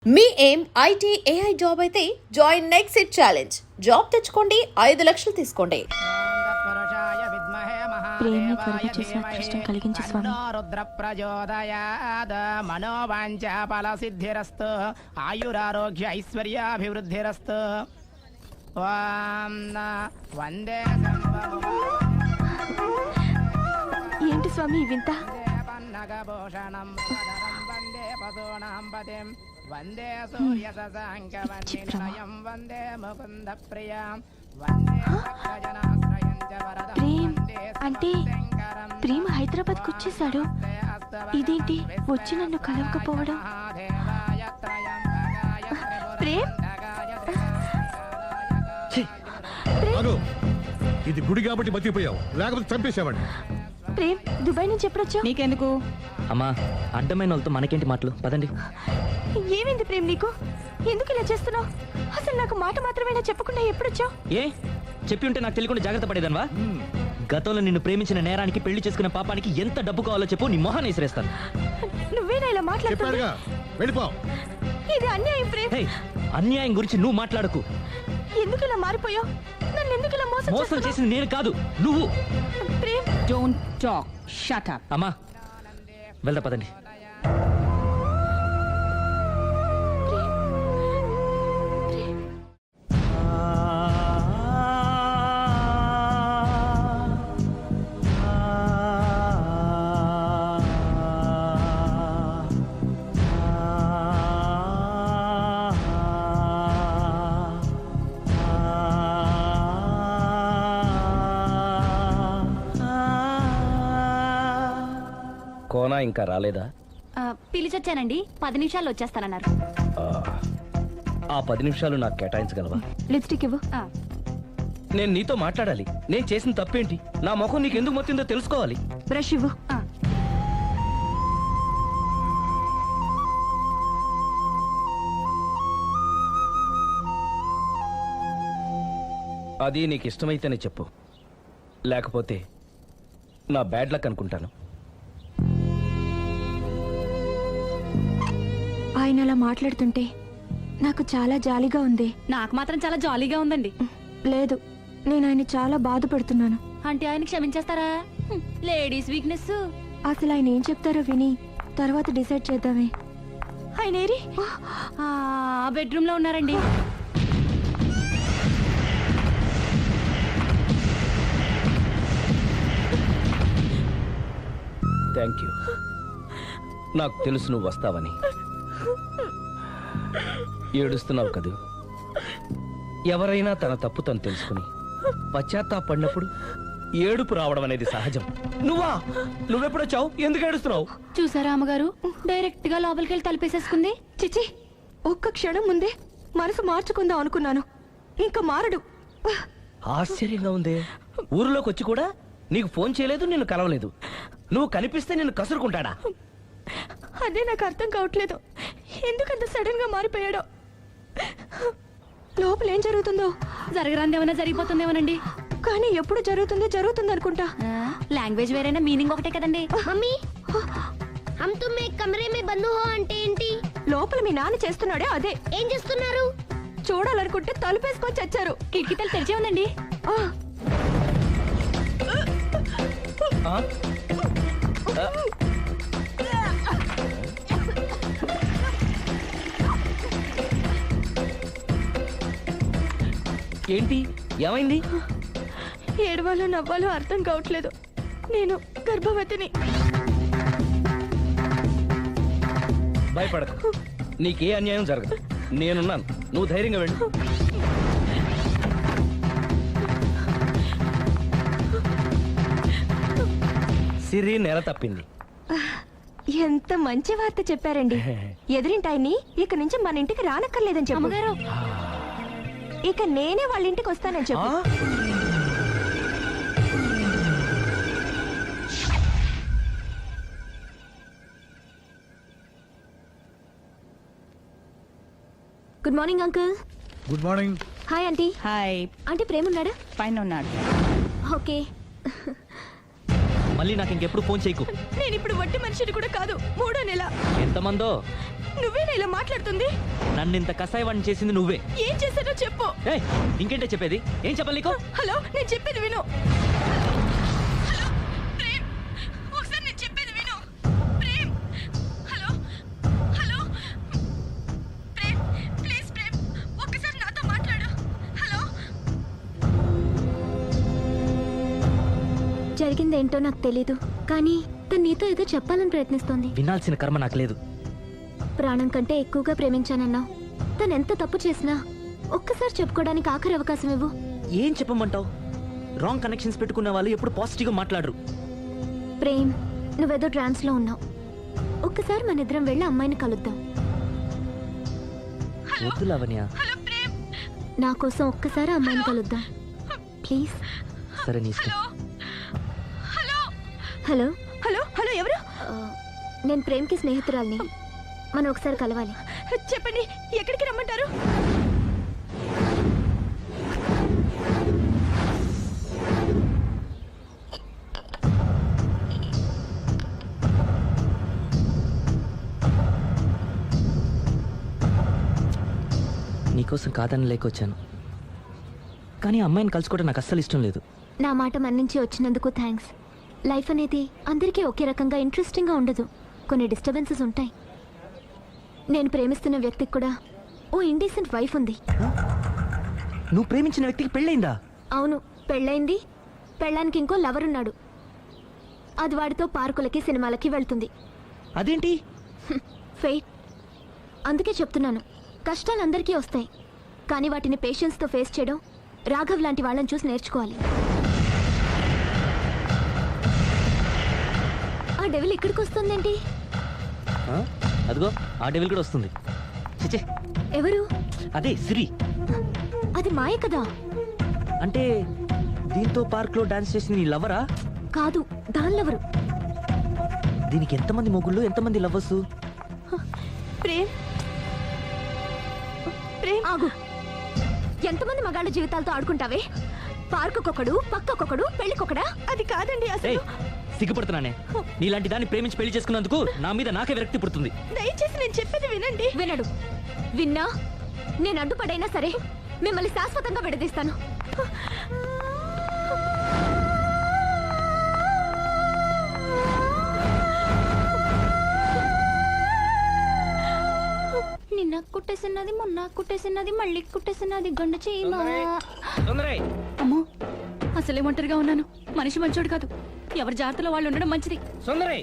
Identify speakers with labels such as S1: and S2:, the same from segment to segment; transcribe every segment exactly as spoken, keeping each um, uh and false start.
S1: మీ ఏం IT AI job అయితే join next it challenge. Job తెచ్చుకోండి, ఐదు లక్షలు తీసుకోండి.
S2: ప్రేమ కలుగు చేసిన అదృష్టం కలిగించు స్వామి.
S3: రుద్ర ప్రచోదయాద్ మనోవాంఛ ఫల సిద్ధిరస్తు ఆయురారోగ్య ఐశ్వర్యాభివృద్ధిరస్తు. ఓం వందే
S2: ఏంటి స్వామి వింత?
S3: పన్నగభూషణం వందే పశూనాం పతిం వందే సూర్య శశాంక వన్నిలయం వందే ముకుంద ప్రియం వందే భక్తజనాశ్రయం చ వరదం
S2: ప్రేమ్
S3: వందే
S2: అంటే
S3: శంకరం.
S2: ప్రేమ హైదరాబాద్ కు వచ్చేసాడు. ఇదేంటి వచ్చి నన్ను కలవకపోవడం? ప్రేమ్
S4: ఆగు. ఇది గుడి కాబట్టి బతికిపోయావు, లేకపోతే చంపేసావండి.
S2: ప్రేమ్ దుబాయ్ నుంచి ఎప్పుడొచ్చా?
S5: నీకెందుకు
S6: అమ్మా, అడ్డమైన వాళ్ళతో మనకేంటి మాటలు, పదండి.
S2: ఏమైంది ప్రేమ్ నీకు? ఎందుకు ఇలా చేస్తున్నావు? అసలు నాకు మాట మాత్రమేనా చెప్పకుండా ఎప్పుడొచ్చావు?
S6: ఏ చెప్పి ఉంటే నాకు తెలియకుండా జాగ్రత్త పడేదన్వా? గతంలో నిన్ను ప్రేమించిన నేరానికి, పెళ్లి చేసుకున్న పాపానికి ఎంత డబ్బు కావాలో చెప్పు, నీ మొహాన్ని విసిరేస్తాను.
S2: నువ్వేనా ఇలా మాట్లాడుతున్నా?
S4: చెప్పాడుగా, వెళ్ళిపో.
S2: ఇది అన్యాయం ప్రేమ్.
S6: హే, అన్యాయం గురించి నువ్వు మాట్లాడకు.
S2: ఎందుకు ఇలా మారిపోయావు? నన్ను ఎందుకు ఇలా మోసం
S6: మోసం
S2: చేస్తున్నావు?
S6: చేసింది నేను కాదు, నువ్వు.
S2: Prem
S5: don't talk, shut up.
S6: అమ్మా వెళ్దా, పదండి.
S7: కోనా ఇంకా రాలేదా?
S8: పిలిచొచ్చానండి, పది నిమిషాల్లో వచ్చేస్తానన్నారు.
S7: ఆ, ఆ పది నిమిషాలు నాకు కేటాయించగలవా?
S2: లిప్స్టిక్ ఇవ్వు.
S7: నేను నీతో మాట్లాడాలి. నేను చేసిన తప్పేంటి, నా ముఖం నీకు ఎందుకు మొత్తిందో తెలుసుకోవాలి.
S2: బ్రష్ ఇవ్వు.
S7: అది నీకు ఇష్టమైతేనే చెప్పు, లేకపోతే నా బ్యాడ్ లక్ అనుకుంటాను.
S2: ఆయన అలా మాట్లాడుతుంటే నాకు చాలా జాలిగా ఉంది.
S8: నాకు మాత్రం చాలా జాలీగా ఉందండి.
S2: లేదు, నేను ఆయన చాలా బాధపడుతున్నాను.
S8: అంటే ఆయన క్షమించేస్తారా? హ్మ్, లేడీస్ వీక్నెస్.
S2: అసలు ఆయన ఏం చెప్తారో విని తర్వాత డిసైడ్ చేద్దామే. ఆయన ఏరి?
S8: ఆ బెడ్రూమ్ లో ఉన్నారండి.
S7: Thank you. నాకు తెలుసు నువ్వు వస్తావని. ఏడుస్తున్నావు కదూ. ఎవరైనా తన తప్పు తను తెలుసుకుని పశ్చాత్తాపడినప్పుడు ఏడుపు రావడం అనేది సహజం. నువ్వా? నువ్వెప్పుడొచ్చావు? ఎందుకు ఏడుస్తున్నావు?
S8: చూసారా అమ్మగారు, డైరెక్ట్ గా లోపలికి వెళ్ళి తలిపేసేసుకుంది.
S2: చిచి, ఒక్క క్షణం ముందే మనసు మార్చుకుందాం అనుకున్నాను. ఇంకా మారడు.
S7: ఆశ్చర్యంగా ఉందే. ఊరిలోకి వచ్చి కూడా నీకు ఫోన్ చేయలేదు, నిన్ను కలవలేదు. నువ్వు కనిపిస్తే నిన్ను కసురుకుంటాడా?
S2: అదే నాకు అర్థం కావట్లేదు. ఎందుకంత సడన్ గా మారిపోయాడో. లోపల ఏం జరుగుతుందో.
S8: జరగరాందేమన్నా జరిగిపోతుందేమోనండి.
S2: కానీ ఎప్పుడు జరుగుతుంది జరుగుతుంది అనుకుంటా.
S8: లాంగ్వేజ్ వేరైనా మీనింగ్ ఒకటే కదండి.
S9: మమ్మీ హమ్ తుమ్ ఏక్ కమరే మే బంద్ హో అంటే ఏంటి?
S2: లోపల మీ నాన్న చేస్తున్నాడే అదే.
S9: ఏం చేస్తున్నారు?
S2: చూడాలనుకుంటే తలుపేసుకొని చచ్చారు.
S8: కిటికీ తలుపు తెరిచే ఉందండి.
S2: ఆ,
S7: ఆ? ఆ? ఏంటి, ఏమైంది?
S2: ఏడవాలో నవ్వాలో అర్థం కావట్లేదు. నేను గర్భవతిని.
S7: భయపడకు, నీకే అన్యాయం జరగదు. నేనున్నాను, నువ్వు ధైర్యంగా వెళ్ళు. సిరి నెల తప్పింది.
S2: ఎంత మంచి వార్త చెప్పారండి. ఎదురింటాయని ఇక నుంచి మన ఇంటికి రానక్కర్లేదని చెప్పు.
S8: అమ్మగారు,
S2: ఇక నేనే వాళ్ళ ఇంటికి వస్తానని చెప్పు.
S7: ఆ?
S2: Good morning uncle.
S4: Good morning.
S2: Hi aunty.
S5: Hi.
S2: Aunty ప్రేమ ఉన్నాడా?
S5: పైన ఉన్నాడు.
S2: ఓకే.
S6: మళ్ళీ నాకు ఇంకెప్పుడు ఫోన్ చేయకు.
S2: నేను ఇప్పుడు వట్టి మనిషిని కూడా కాదు. మూడో నెల.
S6: ఎంతమందో
S2: నువ్వేనా ఇలా మాట్లాడుతుంది?
S6: నన్ను ఇంత కసాయవాణి చేసింది నువ్వే.
S2: ఏం చేశానో చెప్పు.
S6: ఏయ్, ఇంకేంటే చెప్పేది? ఏం చెప్పాలి నీకు?
S2: హలో, నేను చెప్పేది విను. హలో ప్రేమ్, ఒకసారి నేను చెప్పేది విను. Prem, hello hello Prem, please Prem, ఒక్కసారి నాతో మాట్లాడు. హలో.
S8: జరిగిందేంటో నాకు తెలీదు, కానీ తను నీతో ఏదో చెప్పాలని ప్రయత్నిస్తోంది.
S6: వినాల్సిన కర్మ నాకు లేదు.
S8: ప్రాణం కంటే ఎక్కువగా ప్రేమించానన్నావు. తను ఎంత తప్పు చేసినా ఒక్కసారి చెప్పుకోవడానికి ఆఖరి అవకాశం ఇవ్వు.
S6: ఏం చెప్పమంటావు? రాంగ్ కనెక్షన్స్ పెట్టుకున్న వాళ్ళు ఎప్పుడు పాజిటివ్గా మాట్లాడరు.
S8: ప్రేమ్, నువ్వేదో ట్రాన్స్ లో ఉన్నావు. ఒక్కసారి మన ఇద్దరం వెళ్ళి అమ్మాయిని కలుద్దాం.
S6: వద్దు లావణ్య.
S8: నా కోసం ఒక్కసారి అమ్మాయిని కలుద్దాం ప్లీజ్.
S6: సరే, నీ ఇష్టం.
S8: హలో
S2: హలో హలో ఎవరు?
S8: ఆ, నేను ప్రేమ్కి స్నేహితురాల్ని. మనం ఒకసారి కలవాలి.
S2: చెప్పండి, ఎక్కడికి రమ్మంటారు?
S6: నీకోసం కాదని లేకొచ్చాను, కానీ ఆ అమ్మాయిని కలుసుకోవడం నాకు అస్సలు ఇష్టం లేదు.
S8: నా మాట మన్నించి వచ్చినందుకు థ్యాంక్స్. లైఫ్ అనేది అందరికీ ఒకే రకంగా ఇంట్రెస్టింగ్గా ఉండదు. కొన్ని డిస్టర్బెన్సెస్ ఉంటాయి. నేను ప్రేమిస్తున్న వ్యక్తికి కూడా ఓ ఇండీసెంట్ వైఫ్ ఉంది.
S6: నువ్వు ప్రేమించిన వ్యక్తికి పెళ్ళైందా?
S8: అవును, పెళ్ళైంది. పెళ్ళానికి ఇంకో లవర్ ఉన్నాడు. అది వాడితో పార్కులకి సినిమాలకి వెళ్తుంది.
S6: అదేంటి?
S8: ఫెయిట్. అందుకే చెప్తున్నాను, కష్టాలు అందరికీ వస్తాయి, కానీ వాటిని పేషెన్స్తో ఫేస్ చేయడం రాఘవ్ లాంటి వాళ్ళని చూసి నేర్చుకోవాలి. ఆ డెవిల్ ఇక్కడికి వస్తుందేంటి?
S6: ఆ? అదిగో ఆ డెవిల్ కూడా వస్తుంది. చిచే,
S8: ఎవరు?
S6: అదే సిరి.
S8: అది మాయ కదా.
S6: అంటే దీంతో పార్క్ లో డాన్స్ చేసిన నీ లవరా?
S8: కాదు, దానిలెవరు?
S6: దీనికి ఎంతమంది మొగుళ్ళు, ఎంతమంది లవర్సు?
S2: ప్రేమ్, ప్రేమ్
S8: ఆగు. ఎంతమంది మగాళ్ళ జీవితాలతో ఆడుకుంటావే? పార్కుకొకడు, పక్కకొకడు, పెళ్లికొకడా?
S2: అది కాదండి
S6: ఏయ్,
S2: అసలు.
S6: సిగ్గుపడుతున్నానే. నీలాంటి దాన్ని ప్రేమించి పెళ్లి చేసుకున్నందుకు నా మీద నాకే విరక్తి పుడుతుంది.
S2: దయచేసి నేను చెప్పేది వినండి.
S8: వినడు. విన్నా నేను అడ్డుపడైనా సరే మిమ్మల్ని శాశ్వతంగా విడదీస్తాను. నిన్న కుట్టేసినది, మొన్న కుట్టేసినది, మళ్ళీ కుట్టేసినది గండ చీమ.
S5: అమ్మో, అసలే ఒంటరిగా ఉన్నాను. మనిషి మంచోడు కాదు. ఎవరి జాగ్రత్తలో వాళ్ళు ఉండడం మంచిది.
S7: సుందరి,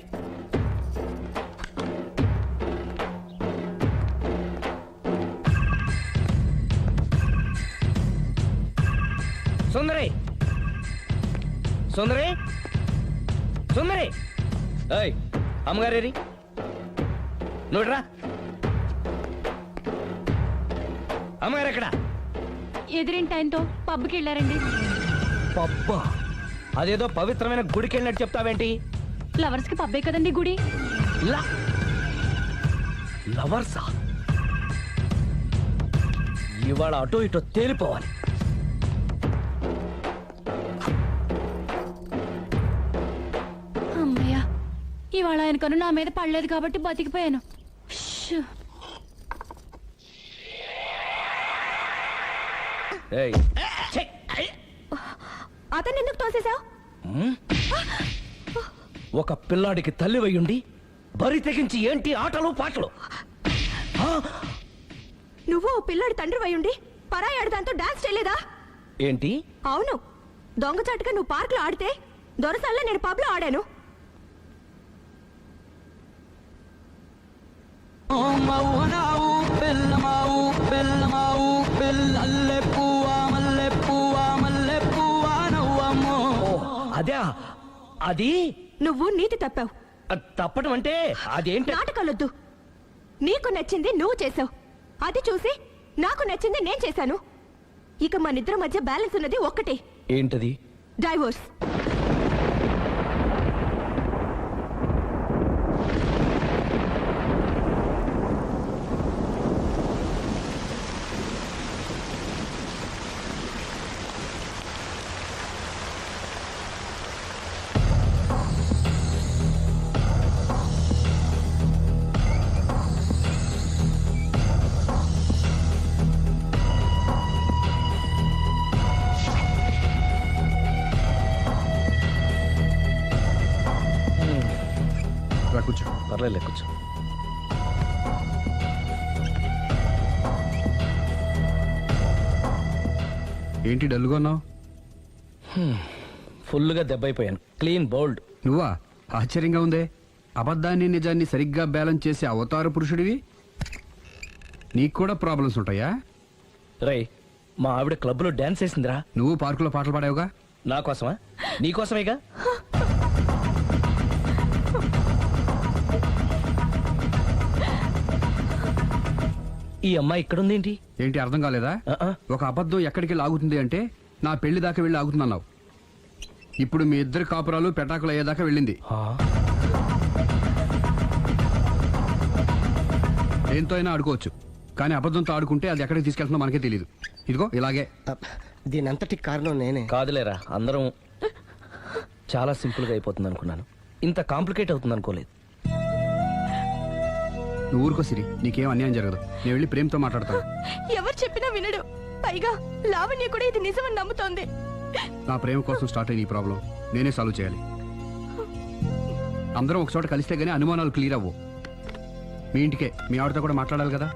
S7: సుందరి, సుందరి, సుందరి. ఏయ్, అమ్మగారేరి, నువ్వురా. అమ్మగారు ఎక్కడ?
S5: ఎదిరింటి ఆయనతో పబ్కి వెళ్ళారండి.
S7: పబ్బా, అదేదో పవిత్రమైన గుడికి వెళ్ళినట్టు చెప్తావేంటి?
S5: లవర్స్ కి పబ్బే కదండి గుడి.
S7: లా లవర్సా? ఇవాళ అటో ఇటో తేలిపోవాలి.
S5: అమ్మయ్యా, ఇవాళ ఆయన కను నా మీద పడలేదు కాబట్టి బతికిపోయాను. షూ.
S7: ఏయ్, ఛే!
S2: అతను ఎందుకు తోసేశావు?
S7: ఉమ్? ఒక పిల్లాడికి తల్లి వయ్యుండి బరి తెగించి ఏంటి ఆటలు పాటలు? ఆ?
S2: నువ్వు ఓ పిల్లాడి తండ్రి అయ్యుండి పరాయి ఆడదాంతో డాన్స్ చేయలేదా?
S7: ఏంటి?
S2: అవును, దొంగచాటుగా నువ్వు పార్క్ లో ఆడితే దొరసల్లా నేను పబ్ లో ఆడాను.
S7: అదే అది
S2: నువ్వు నీతి తప్పావు.
S7: అది తప్పడం అంటే అదేంటి?
S2: నాటకాలొద్దు. నీకు నచ్చింది నువ్వు చేసావు, అది చూసి నాకు నచ్చింది నేను చేశాను. ఇక మన ఇద్దరి మధ్య బ్యాలెన్స్ ఉన్నది ఒక్కటే,
S7: ఏంటది?
S2: డైవోర్స్.
S7: పర్లేదు కూర్చో.
S10: ఏంటి డల్గా ఉన్నావు?
S7: ఫుల్గా దెబ్బైపోయాను. Clean bowled.
S10: నువ్వా? ఆశ్చర్యంగా ఉందే. అబద్ధాన్ని నిజాన్ని సరిగ్గా బ్యాలెన్స్ చేసే అవతార పురుషుడివి. నీకు కూడా ప్రాబ్లమ్స్ ఉంటాయా?
S7: రై, మా ఆవిడ క్లబ్లో డాన్స్ వేసిందిరా.
S10: నువ్వు పార్కులో పాటలు పాడావుగా?
S7: నా కోసమా? నీ కోసమేగా. ఈ అమ్మాయి ఇక్కడుందేంటి?
S10: ఏంటి అర్థం కాలేదా?
S7: ఆ-ఆ.
S10: ఒక అబద్ధం ఎక్కడికి లాగుతుంది అంటే నా పెళ్లి దాకా వెళ్ళి ఆగుతుందన్నావు. ఇప్పుడు మీ ఇద్దరు కాపురాలు పెటాకులు అయ్యేదాకా వెళ్ళింది.
S7: ఆ?
S10: దేంతో అయినా ఆడుకోవచ్చు, కానీ అబద్ధంతో ఆడుకుంటే అది ఎక్కడికి తీసుకెళ్తుందో మనకే తెలియదు. ఇదిగో ఇలాగే.
S11: దీని అంతటి కారణం నేనే.
S7: కాదులేరా, అందరం చాలా సింపుల్గా అయిపోతుంది అనుకున్నాను. ఇంత కాంప్లికేట్ అవుతుంది అనుకోలేదు.
S10: నువ్వు ఊరుకో సిరి, నీకేం అన్యాయం జరగదు. నేను వెళ్ళి ప్రేమతో మాట్లాడతాను.
S2: ఎవరు చెప్పినా వినడు. పైగా లావణ్య కూడా ఇది నిజమని నమ్ముతోంది.
S10: నా ప్రేమ కోసం స్టార్ట్ అయిన ఈ ప్రాబ్లం నేనే సాల్వ్ చేయాలి. అందరం ఒక చోట కలిస్తే గానీ అనుమానాలు క్లియర్ అవ్వు. మీ ఇంటికే, మీ ఆవిడతో కూడా మాట్లాడాలి కదా.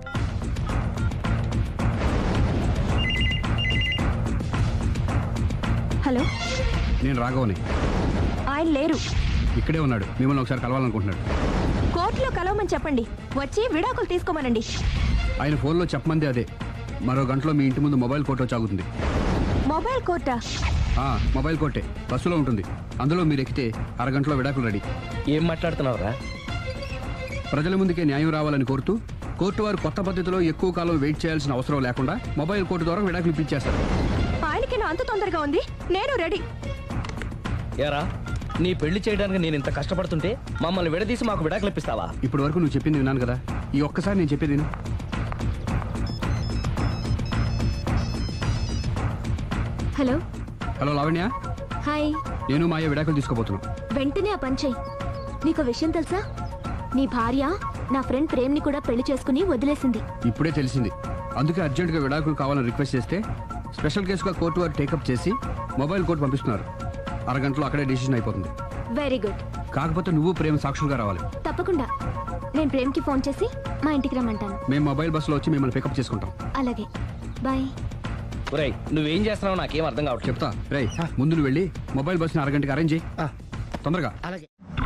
S2: హలో,
S10: నేను రాఘవని.
S2: ఆయన లేరు.
S10: ఇక్కడే ఉన్నాడు, మిమ్మల్ని ఒకసారి కలవాలనుకుంటున్నాడు.
S2: కోర్టులో కలవమని చెప్పండి, వచ్చి విడాకులు తీసుకోమనండి.
S10: ఆయన ఫోన్లో చెప్పమంది అదే. మరో గంటలో మీ ఇంటి ముందు మొబైల్ కోర్టు వచ్చి ఆగుతుంది.
S2: మొబైల్ కోర్టా?
S10: ఆ, మొబైల్ కోర్టే బస్సులో ఉంటుంది. అందులో మీరు ఎక్కితే అరగంటలో విడాకులు రెడీ.
S7: ఏం మాట్లాడుతున్నావురా?
S10: ప్రజల ముందుకే న్యాయం రావాలని కోరుతూ కోర్టు వారు కొత్త పద్ధతిలో ఎక్కువ కాలం వెయిట్ చేయాల్సిన అవసరం లేకుండా మొబైల్ కోర్టు ద్వారా విడాకులు ఇప్పించేస్తారు.
S2: ఆయనకి నా అంత తొందరగా ఉంది, నేను రెడీ.
S7: ఏరా, నీ పెళ్లి చేయడానికి నేను ఇంత కష్టపడుతుంటే మమ్మల్ని విడదీసి మాకు విడాకులు ఇప్పిస్తావా?
S10: ఇప్పటి వరకు నువ్వు చెప్పింది విన్నాను కదా, ఈ ఒక్కసారి నేను చెప్పేది విను.
S8: హలో.
S10: Hello Lavanya,
S8: hi.
S10: నేను మాయ విడాకులు తీసుకోబోతున్నాను.
S8: వెంటనే ఆ పని చెయ్యి. నీకు విషయం తెలుసా? నీ భార్య నా ఫ్రెండ్ ప్రేమ్ని కూడా పెళ్లి చేసుకుని వదిలేసింది.
S10: ఇప్పుడే తెలిసింది. అందుకే అర్జెంటుగా విడాకులు కావాలని రిక్వెస్ట్ చేస్తే స్పెషల్ కేసుగా కోర్టు వారు టేకప్ చేసి మొబైల్ కోర్టు పంపిస్తున్నారు. అరగంటలో అక్కడే డిసిషన్ అయిపోతుంది.
S8: Very good.
S10: కాకపోతే నువ్వు ప్రేమ సాక్షులుగా రావాలి.
S8: తప్పకుండా. నేను ప్రేమ్కి ఫోన్ చేసి మా ఇంటికి రమ్మంటాను.
S10: మేము మొబైల్ బస్సులో వచ్చి మిమ్మల్ని పికప్ చేసుకుంటాం.
S8: అలాగే, బాయ్.
S7: ఒరేయ్, నువ్వేం చేస్తున్నావు నాకేం అర్థం కావట్లేదు.
S10: చెప్తా. రేయ్, ముందు నువ్వు వెళ్ళి మొబైల్ బస్సుని అరగంటకి అరేంజ్ చేయి. తొందరగా.
S11: అలాగే.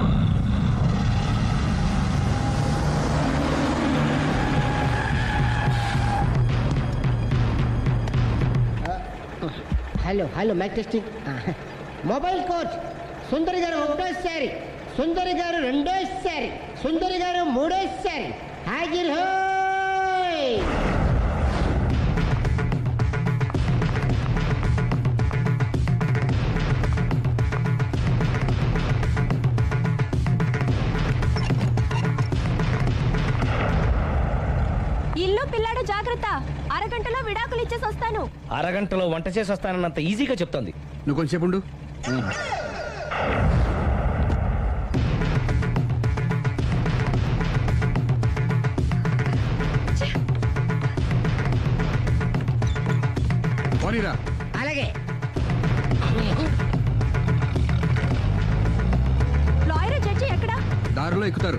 S11: Hello hello mike testing. Mobile coach Sundari గారు ఒకటోసారి, సుందరి గారు రెండోసారి, సుందరి గారు మూడోసారి. హాజిర్ హోయ్.
S2: ఇల్లు పిల్లాడు జాగ్రత్త, అరగంటలో విడాకులు ఇచ్చేసి వస్తాను.
S7: అరగంటలో వంట చేసి వస్తానన్నంత ఈజీగా చెప్తోంది.
S10: నువ్వు కొంచెం ఉండు. పోనీరా.
S11: అలాగే.
S2: లాయర్ జడ్జి ఎక్కడా?
S10: దారిలో ఎక్కుతారు.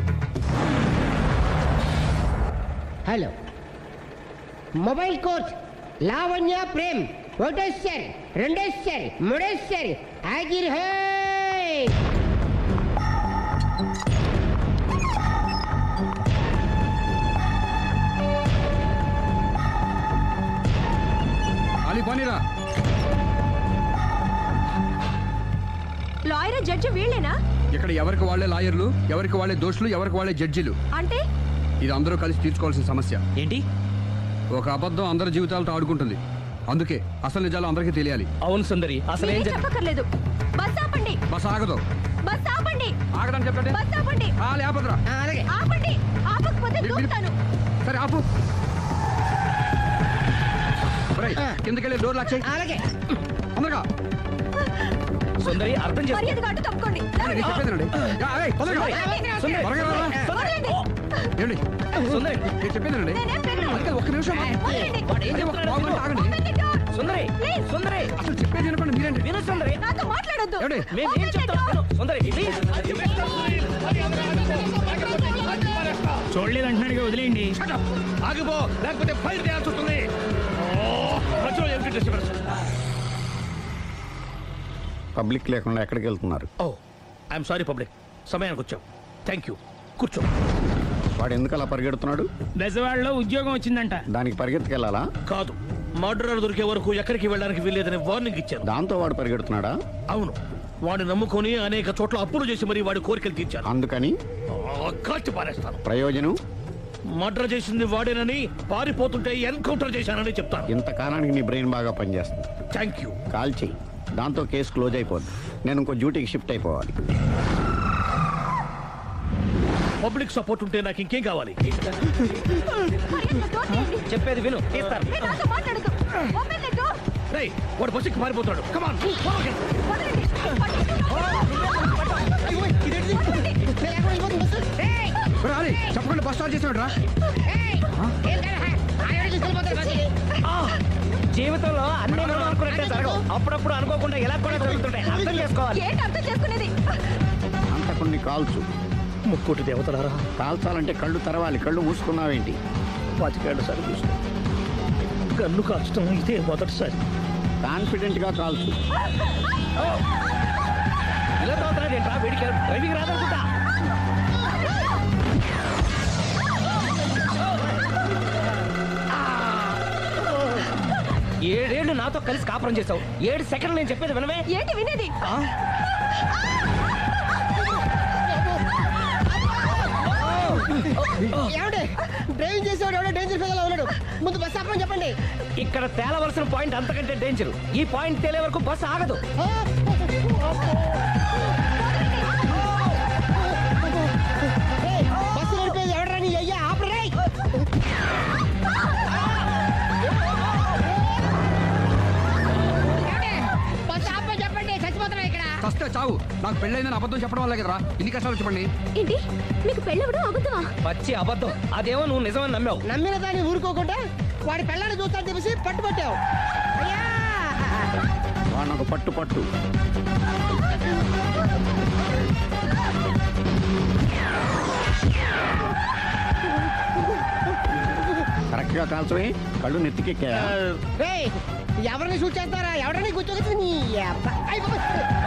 S11: Hello mobile coach Lavanya Prem ఒకటోసారి, రెండోసారి, మూడోసారి. హాజిర్ హోయ్.
S10: అలీ పోనీరా.
S2: లాయర్ జడ్జి వీళ్ళేనా?
S10: ఇక్కడ ఎవరికి వాళ్ళే లాయర్లు, ఎవరికి వాళ్ళే దోషులు, ఎవరికి వాళ్ళే జడ్జిలు.
S2: అంటే
S10: ఇది అందరూ కలిసి తీర్చుకోవాల్సిన సమస్య.
S6: ఏంటి?
S10: ఒక అబద్ధం అందరి జీవితాలతో ఆడుకుంటుంది. అందుకే అసలు నిజాలు అందరికీ తెలియాలి.
S7: అవును సుందరి, అసలు ఏం
S2: మీరేం
S7: జరిగింది?
S2: చెప్పక్కర్లేదు. బస్ ఆపండి,
S10: బస్ ఆగదు.
S2: బస్ ఆపండి,
S10: ఆగడం చెప్పండి.
S2: బస్ ఆపండి,
S10: ఆపదురా.
S11: అలాగే.
S2: ఆపండి. ఆపకపోతే దూకుతాను.
S10: సరే ఆపు. కిందకెళ్ళి డోర్ లాక్ చేయి.
S11: అలాగే.
S10: తొందరగా.
S7: సుందరి, అర్థం చేసుకో.
S2: మర్యాదగా అడ్డు తప్పుకోండి.
S10: నేను చెప్పేదేనండి. యా, ఏయ్, తొందరగా.
S7: సుందరి,
S10: త్వరగా రారా.
S2: వదలండి.
S10: ఏమండి?
S7: సుందరి,
S10: నేను చెప్పేదేనండి.
S2: నేనేం పెట్టను.
S10: అందుకే ఒక్క నిమిషం.
S2: వదలండి.
S10: అదే ఒక పావు గంట ఆగండి.
S2: Open the door.
S7: సుందరి సుందరి
S10: అసలు చెప్పేది వినపండి మీరేంటి
S7: విను సుందరి
S2: నాతో మాట్లాడొద్దు
S10: ఏమండి?
S7: మేము ఏం చెప్తాం విను. సుందరి ప్లీజ్.
S3: చూడలేదు అంటున్నాడుగా వదిలేయండి.
S4: ఆగిపో లేకపోతే ఫైర్ చేయాల్సి వస్తుంది. మధ్యలో ఏమిటి డిస్టర్బెన్స్?
S10: పబ్లిక్ లేకుండా ఎక్కడికి వెళ్తున్నారు?
S4: ఓ ఐఎమ్ సారీ పబ్లిక్, సమయానికి వచ్చాం. Thank you. కూర్చో.
S10: వాడు ఎందుకు అలా పరిగెడుతున్నాడు?
S3: బెజవాడలో ఉద్యోగం వచ్చిందంట.
S10: దానికి పరిగెత్తుకెళ్ళాలా?
S4: కాదు, మర్డరర్ దొరికే వరకు ఎక్కడికి వెళ్ళడానికి వీల్లేదని వార్నింగ్ ఇచ్చాను.
S10: దాంతో వాడు పరిగెడుతున్నాడా?
S4: అవును, వాడిని నమ్ముకొని అనేక చోట్ల అప్పులు చేసి మరీ వాడి కోరికలు తీర్చాను.
S10: అందుకని
S4: ఆ, కాల్చి పారేస్తాను.
S10: ప్రయోజనం?
S4: మర్డర్ చేసింది వాడేనని, పారిపోతుంటే ఎన్కౌంటర్ చేశానని చెప్తాను.
S10: ఇంతకాలానికి నీ బ్రెయిన్ బాగా పనిచేస్తుంది.
S4: Thank you.
S10: కాల్ చెయ్యి, దాంతో కేసు క్లోజ్ అయిపోద్ది. నేను ఇంకో డ్యూటీకి షిఫ్ట్ అయిపోవాలి.
S4: పబ్లిక్ సపోర్ట్ ఉంటే నాకు ఇంకేం కావాలి?
S7: చెప్పేది విను తీస్తారు.
S2: నాతో మాట్లాడొద్దు. Open the door.
S4: రేయ్, వాడు బస్సుకి పారిపోతాడు. కమాన్.
S10: రాలి చెప్పకుండా బస్ స్టార్ట్ చేసాడు రా.
S7: జీవితంలో అన్ని మనం అనుకున్నట్టే జరగవు. అప్పుడప్పుడు అనుకోకుండా ఎలా కూడా జరుగుతుంటాయి. అర్థం చేసుకోవాలి.
S2: ఏంటి అర్థం చేసుకునేది?
S10: అంతకుని కాల్చు.
S4: ముక్కోటి దేవతలారా,
S10: కాల్చాలంటే కళ్ళు తెరవాలి. కళ్ళు మూసుకున్నావేంటి?
S4: పాతికేళ్ల సారి చూసిన గన్ను కాల్చడం ఇదే మొదటిసారి.
S10: కాన్ఫిడెంట్ గా కాల్చు.
S7: ఇలా తోతున్నాడు ఏంట్రా? వీడికి డ్రైవింగ్ రాదనుకుంటా. ఏడేళ్లు నాతో కలిసి కాపురం చేసావు. ఏడు సెకండ్లు నేను చెప్పేది వినవే.
S2: ఏంటి వినేది?
S11: ఏమండి డ్రైవింగ్ చేసేవాడు ఎవడో డేంజర్ ఫీల్ ఉన్నాడు. ముందు బస్ ఆపమని చెప్పండి.
S7: ఇక్కడ తేలవలసిన పాయింట్ అంతకంటే డేంజర్. ఈ పాయింట్ తేలే వరకు బస్సు ఆగదు.
S11: బస్సు నడిపేది ఎవడరాని అయ్యా ఆపరే. బస్ ఆపమని చెప్పండి, చచ్చిపోతున్నా ఇక్కడ.
S10: చస్తే చావు. నాకు పెళ్ళైందని అబద్ధం చెప్పడం వల్ల కదరా ఇన్ని కష్టాలు చెప్పండి.
S8: ఏంటి మీకు పెళ్ళవడం అబద్ధమా?
S7: పచ్చి అబద్ధం. అదేమో నువ్వు నిజమని నమ్మావు.
S11: నమ్మిన దాన్ని ఊరుకోకుండా వాడి పెళ్ళాన్ని చూస్తాను చెప్పేసి పట్టుబట్టావు. అయ్యా
S10: వాడు నాకు పట్టు పట్టు. కరెక్ట్ గా కాల్చవే. కళ్ళు నెత్తికెక్కా.
S11: రేయ్, ఎవరిని షూట్ చేస్తారా? ఎవరిని కూర్చోగచ్చు నీ అబ్బా. అయ్ బాబోయ్.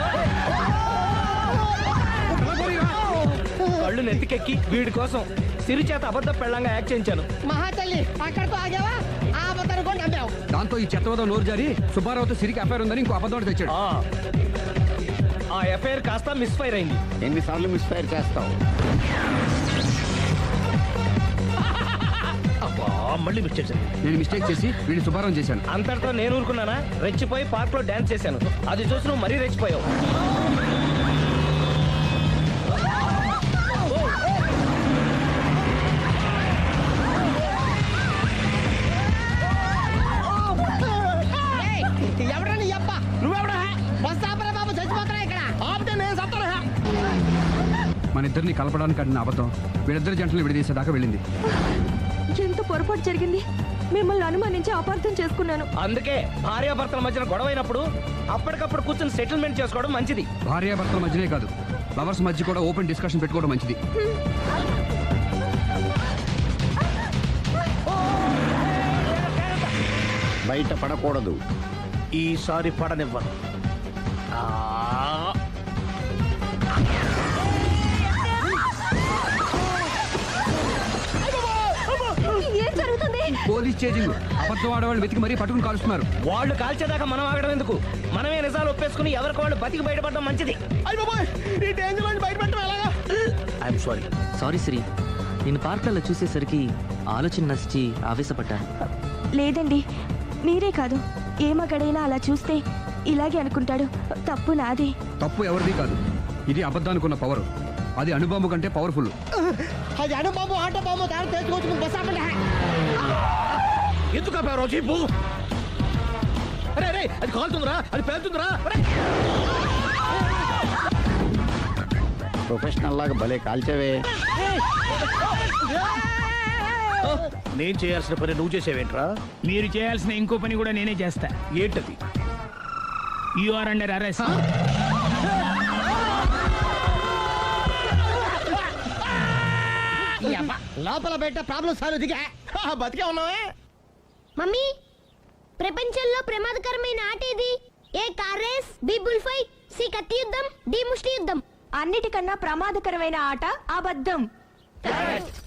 S7: కళ్ళు నెత్తికెక్కి వీడి కోసం సిరి చేత అబద్ధ పెళ్ళంగా యాక్ట్ చేయించాను.
S11: మహాతల్లి అక్కడితో ఆగావా? ఆ అబద్ధాన్ని కూడా నమ్మావు.
S10: దాంతో ఈ చెత్తవదో నోరు జారి సుబ్బారావుతో సిరికి అఫైర్ ఉందని ఇంకో అబద్ధం తెచ్చాడు.
S7: ఆ. ఆ ఎఫ్ఐఆర్ కాస్త మిస్ఫైర్ అయింది.
S10: ఎన్నిసార్లు మిస్ఫైర్ చేస్తావు?
S4: అబ్బా, మళ్ళీ మిస్ చేశాను.
S10: నేను మిస్టేక్ చేసి వీడిని శుభారం చేశాను.
S7: అంతటితో నేను ఊరుకున్నానా? రెచ్చిపోయి పార్క్ లో డాన్స్ చేశాను. అది చూసి నువ్వు మరీ రెచ్చిపోయావు.
S11: ఏయ్, ఎవరా నీ అబ్బా? నువ్వెవడా? బస్ ఆపరా బాబు, చచ్చిపోతున్నా ఇక్కడ. ఆపితే నేను సత్తాను.
S10: మన ఇద్దరిని కలపడానికి అడిగిన అబద్ధం వీళ్ళిద్దరి జంటలు విడదీసేదాకా వెళ్ళింది.
S2: ఎంత పొరపాటు జరిగింది. మిమ్మల్ని అనుమానించి అపార్థం చేసుకున్నాను.
S7: అందుకే భార్యాభర్తల మధ్యన గొడవైనప్పుడు అప్పటికప్పుడు కూర్చొని సెటిల్మెంట్ చేసుకోవడం మంచిది.
S10: భార్యాభర్తల మధ్యనే కాదు, లవర్స్ మధ్య కూడా ఓపెన్ డిస్కషన్ పెట్టుకోవడం మంచిది. బయట పడకూడదు.
S4: ఈసారి పడనివ్వను. ఆ,
S2: ఏం జరుగుతుంది?
S10: Police chasing. అబద్ధం ఆడవాళ్ళు వెతికి మరీ పట్టుకుని కాలుస్తున్నారు.
S7: వాళ్ళు కాల్చేదాకా మనం ఆగడం ఎందుకు? మనమే నిజాలు ఒప్పేసుకుని ఎవరికి వాళ్ళు బతికి బయటపడడం మంచిది.
S11: ఈ డేంజర్ నుంచి బయటపడటం ఎలాగా?
S4: I'm sorry.
S6: సారీ సిరి, నేను పార్కులలో చూసేసరికి ఆలోచన నచ్చి ఆవేశపడ్డాను.
S2: లేదండి, మీరే కాదు ఏ మగాడైనా అలా చూస్తే ఇలాగే అనుకుంటాడు. తప్పు నాదే.
S10: తప్పు ఎవరిది కాదు. ఇది అబద్ధానికి ఉన్న పవర్. అది అణుబాంబు కంటే పవర్ఫుల్.
S11: అది అణుబాంబు ఆటో బాంబు దాని తెలుసుకోవచ్చు. బస్ ఆపండి.
S4: ఎందుకు ఆపావు జీపు? అరే అరే, అది కాలుతుందిరా, అది పేలుతుందిరా.
S10: ప్రొఫెషనల్ లాగా భలే కాల్చేవే.
S4: నేను చేయాల్సిన పని నువ్వు చేసేవేంట్రా?
S3: మీరు చేయాల్సిన ఇంకో పని కూడా నేనే చేస్తా.
S4: ఏంటది?
S3: You are under arrest.
S11: లోపల బయట ప్రాబ్లం సాల్వ్ దిగా
S4: బతికే ఉన్నావే.
S9: మమ్మీ ప్రపంచంలో ప్రమాదకరమైన ఆట ఏది? A car race, B bull fight, C కత్తి యుద్ధం, డి ముష్టి యుద్ధం.
S2: అన్నిటికన్నా ప్రమాదకరమైన ఆట అబద్ధం.